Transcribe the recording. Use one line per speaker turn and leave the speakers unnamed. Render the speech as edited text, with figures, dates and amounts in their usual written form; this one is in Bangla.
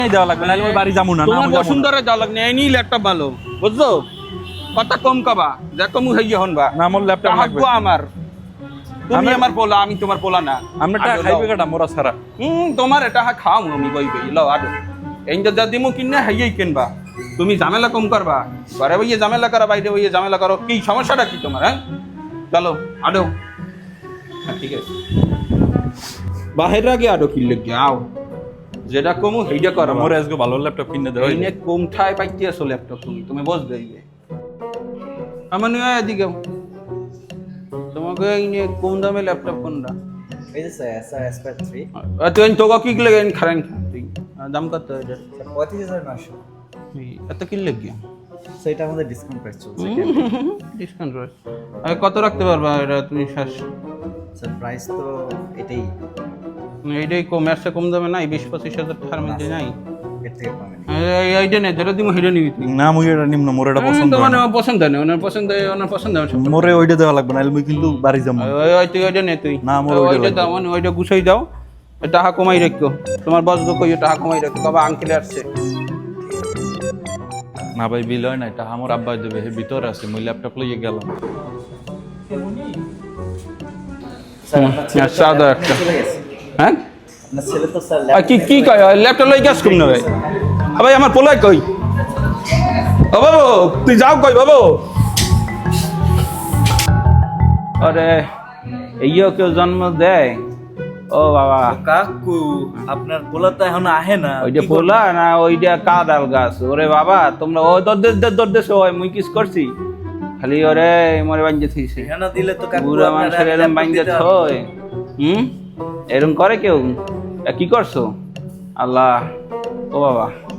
দেওয়া লাগবে না ওই বাড়ি যাবো না
তোমার বসুন্ধরা যাওয়া লাগবে এই নিয়ে ল্যাপটপ ভালো বুঝছো কথা কম কবা যা কম হইয়া হনবা
না আমার ল্যাপটপ লাগবে
আমার তুমি আমার পোলা আমি তোমার পোলা না
আমরা টাকা খাইবে কাটা মোরা ছাড়া
তোমার এটা খাও আমি বই বই লও আডো এই যা দিমু কিনে হাইয়াই কিনবা তুমি ঝামেলা কম করবা ঘরে বইয়ে ঝামেলা করা বাইরে বইয়ে ঝামেলা করো কি সমস্যাটা কি তোমার হ্যাঁ চলো আডো হ্যাঁ ঠিক আছে বাহির আগে আডো কিনলে যাও যেটা কমু সেইটা করো
মোরে আজকে ভালো ল্যাপটপ কিনে দেওয়া
এইনে কম ঠায় পাইতে আসো ল্যাপটপ তুমি বস দেইবে আমার নিয়ে এদিকে তোমাকে এইনে কম দামে ল্যাপটপ কোনটা
এই যে স্যার এসআর এসপার 3
তুই তোকে কি লাগে খারেন তুই দাম কত এটা
35900
এত কি লাগে
সেটা আমাদের ডিসকাউন্ট প্রাইস চলছে
ডিসকাউন্ট রয়েছে কত রাখতে পারবা এটা তুমি শেষ
স্যার প্রাইস তো এটাই
এইটাই কম এর কম দামে নাই 20-25 হাজার টাকার মধ্যে নাই
এর থেকে পাবেন
এইটা নেই যেটা তুমি হেডে নিবি তুই
না মুই এটা নিম্ন মোর এটা পছন্দ
তোমার পছন্দ নেই ওনার পছন্দ
মোরে ওইটা দেওয়া লাগবে না মুই কিন্তু বাড়ি যাবো
ওই তুই ওইটা নে তুই
না, আমার ওইটা
ওইটা দাও মানে ওইটা গুছাই দাও টাকা কমাই রাখো তোমার বস গো কইও টাকা কমাই রাখো বাবা আঙ্কেল আসছে
না ভাই বিল হয় না এটা আমার আব্বা দেবে হে ভিতরে আছে মুই ল্যাপটপ লইয়ে গেলাম
স্যার আপনার ছেলে তো
সাদা
laptop
একটা।
চলে গেছে
হ্যাঁ
আপনার ছেলে তো স্যার
কি কি কয় ল্যাপটপ লই গ্যাস কম না ভাই ভাই আমার পোলাই কই ও বাবু তুই যাও কই বাবু আরে এইও কেউ জন্ম দেয় ও বাবা
কাকু আপনার পোলা তো এখন আহে না
ওইটা পোলা না ওইটা কাদাল গাছ ওরে বাবা তোমরা ও দরদেশ হয় মুই কিস করছি খালি ওরে মরে বাঞ্জে থইছে
ঠিকানা দিলে তো কাকু
বুড়া মানুষের এরম বাঞ্জে থই এরম করে কেউ কি করছো আল্লাহ ও বাবা